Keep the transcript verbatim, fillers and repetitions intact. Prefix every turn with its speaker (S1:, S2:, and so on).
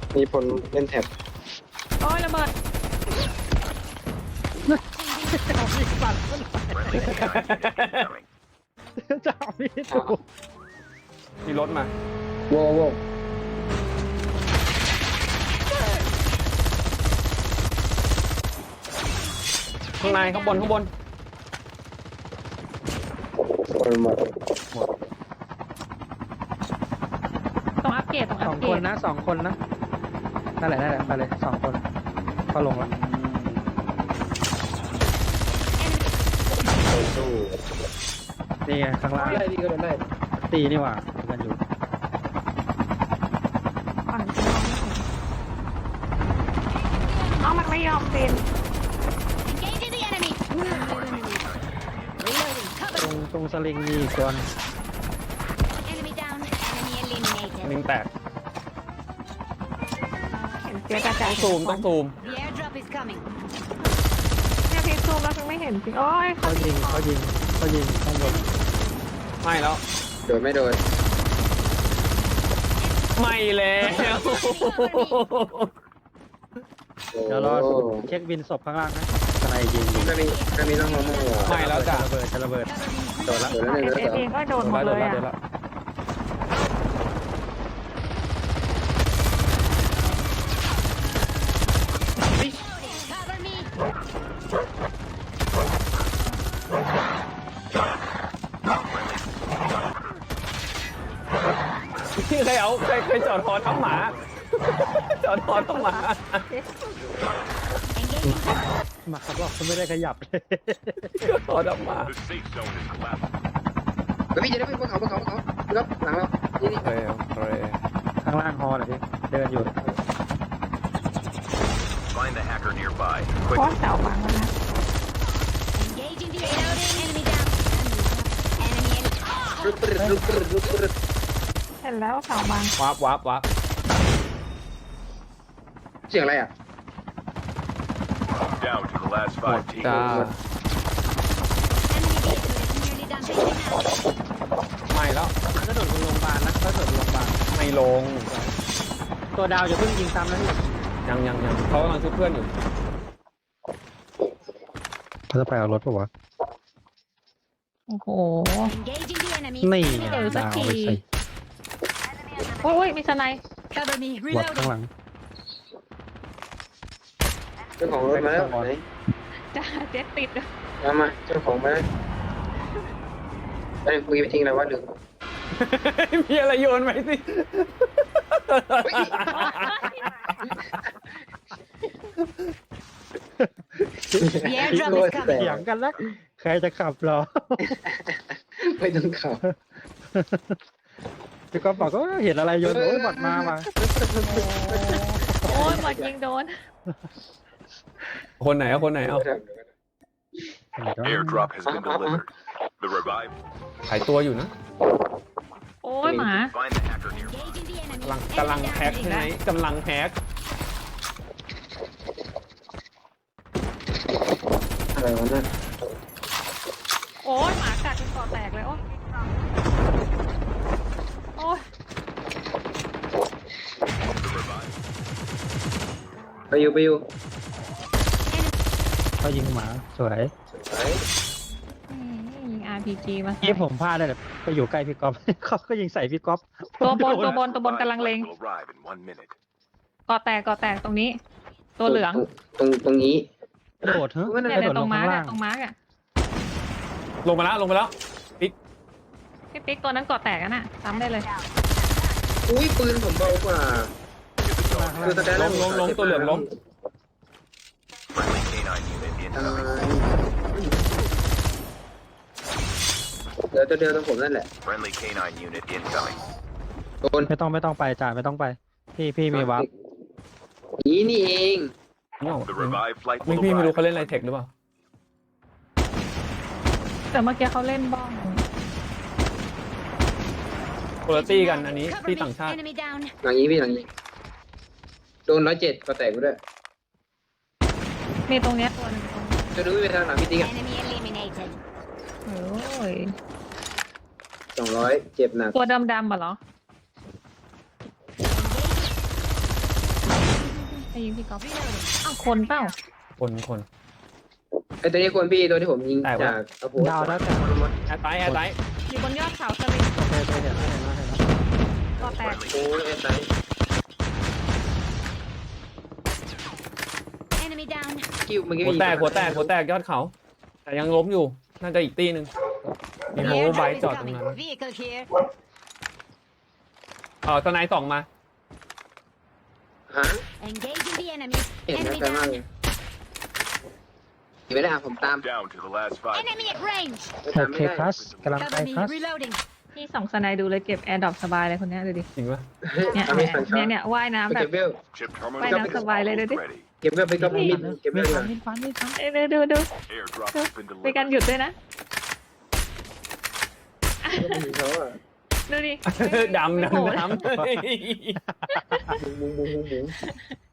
S1: มีคนเล่นแท็บ
S2: โอ้ยระเบิด
S3: เอามีดปัดมัน จะเอามีดถูก
S4: มีรถมา
S1: โว้โว้
S4: ข้างในข้างบนข้างบน
S1: คนหมด
S2: ต้องอัปเกรดต้อง
S3: ส
S2: อั
S3: อ
S2: ป
S3: ง
S2: เกร
S3: คน
S2: ด
S3: นะสองคนนะนั่นแหละนั่นแหละไปเลยสองคนก็ลงแล้ว
S1: สู้
S3: นี่ไงข้างล่าง
S1: ได้ดีก็โดนได้
S3: ตีนี่หว่ากันอยู่
S2: อ่อนจริงเอามันไม่ยอมเป็น
S5: Engaging the enemy. Reloading.
S3: ตร
S5: Cover.
S3: งตรงสลิงมีอีกตัวนึง
S5: Enemy down. Enemy eliminated.
S4: ลิงแตก
S2: เห็นเจ๊กระจาย
S4: ซูมต้องซูม
S5: The airdrop is coming.
S2: เนี่ยพี่ซูมแล้วถึงไม่เห็นจริงโอ้ย
S3: เขายิงเขายิงเขายิงข้างบน
S4: ไม่แล้ว
S1: โดนไม่โดน
S4: ไม่แล้ว
S3: เดี๋ยวรอเช็คบินศพข้างล่างนะทนายยิงอยู่
S1: จะมีจะมีน้องโมโม่
S4: ไม่แล้วจ้ะ
S3: ระเบิดจะระเบิด
S1: โดนละโดนละหนึ่ง
S2: เอ
S1: โดน
S2: เอ
S1: ละสอง
S2: เองก็โดนหมด
S4: โด
S2: เล
S4: น
S2: ย
S4: แล้ว
S2: อ่ะ
S5: Cover me.
S4: พี่เคยเอาเคยเคยจอดฮอทั้งหมา จอดฮอทั้งหมา
S5: Engaging.
S3: หมาบอกเขาไม่ได้ขยับเลย
S4: จอดทั้งหมา
S6: The safe zone is collapsing.
S1: เฮ้ยพี่จะได้ไปบนเขาบนเขาบนเขาครับหลังเรานี่นี่
S4: โอเคโอเค
S3: ข้างล่างฮอเหรอพี่เดินอยู่
S6: Find the hacker nearby.
S2: โค
S6: Quick.
S2: ตรเสาบังแล้วนะ
S5: Engaging the enemy. Enemy down. Enemy in.
S1: รุดปรึดรุดปรึดรุดปรึด
S2: เห็นแล้วเสาบัง
S4: วับวับวับ
S1: เสียงอะไรอ่ะ
S6: Down to the last
S4: หมด
S6: five teams.
S4: จ้า
S5: Enemy vehicle is nearly done taking out.
S4: ไม่แล้ว
S3: ก็โดดบนโรงพยาบาลนะก็โดดบนโรงพยาบาล
S4: ไม่ลง
S3: ตัวดาวอย่าเพิ่งยิงซ้ำนะพี่
S4: ยังยังยังเขากำลังช่วยเพื่อนอยู่
S3: เขาจะไปเอารถปะวะ
S2: โอ้โห
S5: Engaging the enemy.
S3: นี่
S5: Enemy
S3: ไง
S2: เออสัก
S3: ดาว
S2: ที
S3: ไปใส่
S2: โอ้ยมีสไนป์
S5: Cover me.
S3: วัดข้าง
S5: Reloading.
S3: หลัง
S1: เจ้าของรถมาแล้วไหน
S2: จ้าเจ็ดติด
S1: เอามาเจ้าของมาแล้วไอ้คุยไปทิ้งอะไรวะหนึ่ง
S4: มีอะไรโยนไหมสิ
S5: The airdrop is coming.
S3: เถียงกันแล้วใครจะขับเหรอ
S1: ไม่ต้องขับ
S3: พี่ก๊อฟบอกก็เห็นอะไรโยนโอ้ยบอดมามา
S2: โอ้ยหมดยิงโดน
S4: คนไหนเอาคนไหนเอา
S6: Airdrop has been delivered. The revive.
S4: ขายตัวอยู่นะ
S2: โอ้ยหมา
S6: Find the hacker nearby.
S5: Engaging the enemy.
S4: กำลังกำลัง
S5: Enemy
S4: แพ็ค
S5: down.
S4: ใช่ไหมกำลังแพ็ค
S1: อะไรวะนั่น
S2: โอ้ยหมากัดจนคอแตกเลยโอ้ยโอ้ย
S6: The revive.
S1: ไปอยู่ไปอยู่
S3: เขายิงหมาสวย
S2: อืมยิง อาร์ พี จี มาใส่
S3: นี่ผมพลาดได้เลยไปอยู่ใกล้พี่ก๊อฟ เขาก็ยิงใส่พี่ก๊อฟ
S2: ตัวบน
S3: โด
S2: ตัวบนตัวบนกำลังเลง
S6: Will arrive in one minute.
S2: กอแตกกอแตกตรงนี้ ตัวเหลือง
S1: ตรงตรงนี้
S3: กระโดดเฮ้ย
S2: เนี่ย
S3: กระ
S2: เนี่
S3: โด
S2: ย
S3: ด
S2: ต
S3: ล
S2: รง งมาร์ก
S3: ข้างล่า
S2: อะ
S3: ง
S2: ตรงมาร์กอะ
S4: ลงมาแล้วลงมาแล้วปิ๊ก
S2: พี่ปิ๊กตัวนั้นกอแตกอะน่ะซ้ำได้เลย
S1: อุ้ยปืนผมเบากว่า
S6: Get the dog.
S1: คือแสดง
S4: ลงลงลงตัวเหลืองลง
S6: Friendly canine unit
S1: อ่า
S6: incoming.
S1: เดี๋ยวตัวเดียวตรงผมนั่นแหละ
S6: Friendly canine unit incoming.
S1: โดน
S3: ไม่ต้องไม่ต้องไปจ่าไม่ต้องไป พี่พี่มีวับ
S1: นี่นี่เอง
S6: The revive flight
S4: ไม่
S6: will
S4: พี่ไม่รู้
S6: arrive.
S4: เขาเล่นอะไรเทคหรือเปล่า
S2: แต่เมื่อกี้เขาเล่นบ้อง
S4: คุณภาพกันอันนี้
S5: Cover
S4: ที่
S5: me.
S4: ต่างชาติ
S5: Enemy down.
S1: หลังนี้พี่หลังนี้ โดนร้อยเจ็ดก็แตกไปด้วย
S2: มีตรงเนี้ยตัวหนึงตรงนี้
S1: จะดูไม่ไปทางหลังพี่ติ๊กอะ
S5: Enemy eliminated.
S2: โอ้ย
S1: สองร้อยเจ็บหนัก
S2: ตัวดำๆอ่ะเหรอยิงพี่ก๊อฟอ้าวคนเปล่า
S4: คนคน
S1: ไอตัวนี้คนพี่ตัวที่ผมยิง
S4: แตกวะ
S1: จากอาโพ
S3: ดาวแล้วแต่
S4: แอร์ไตแอร์ไต
S2: อยู่บนยอดเขาสลิง
S3: โอเคโอเคเห็นแล้วเห็นแล้วเห็นแล้ว
S2: ก่อแตก
S1: โอ้ยไอ้ไซ
S5: Enemy down.
S1: กิ้วเมื่อกี้
S4: หัวแตกหัวแตกหัวแตกยอดเขา แต่ยังล้มอยู่ น่าจะอีกตีหนึ่งมี
S5: The
S4: โฮไบ
S5: airdrop
S4: จ
S5: is
S4: อดตรงนั้น
S5: coming. Vehicle here.
S4: เออสไนด์สองมา
S1: ฮะ
S5: Engaging the enemy.
S1: เห็นแล้ว
S5: Enemy
S1: แต่มาก
S5: down.
S1: เลยอยู่ไม่ได้ผมตาม
S6: Down to the last five.
S5: Enemy at range.
S1: ไม่
S3: โอ
S1: ตาม
S3: เค
S1: ไม่ได้
S3: คลาสกำลังไป
S5: Cover me.
S3: คลาส
S5: Reloading.
S2: พี่สองสไนด์ดูเลยเก็บแอร์ดรอปสบายเลยคนเนี้ยดูดิ
S4: จริงปะ
S2: เนี่ย
S1: เอาไม่ทันครั
S2: เนี่ย
S1: บ
S2: เนี่ยว่ายน้ำ
S1: ไป
S2: แบบ
S1: เก็บเวล
S6: Chip
S2: ไป
S6: terminal
S2: น้ำสบายเลยดูดิ
S6: ready.
S1: เก็บเวลไปกับมิดเก็บเว
S3: มี
S1: ล
S3: ฟั
S1: ก่อน น
S3: มีฟันมีฟัน
S2: เอ้ยดูดู
S6: Airdrop has been
S2: มีการ
S6: delivered.
S2: หยุดด้วยนะ
S1: เขาอะ
S2: ดูดิ
S4: ดำ
S2: ไม่โผล่
S4: ดำดำ
S1: มุงมุงมุงมุงมุง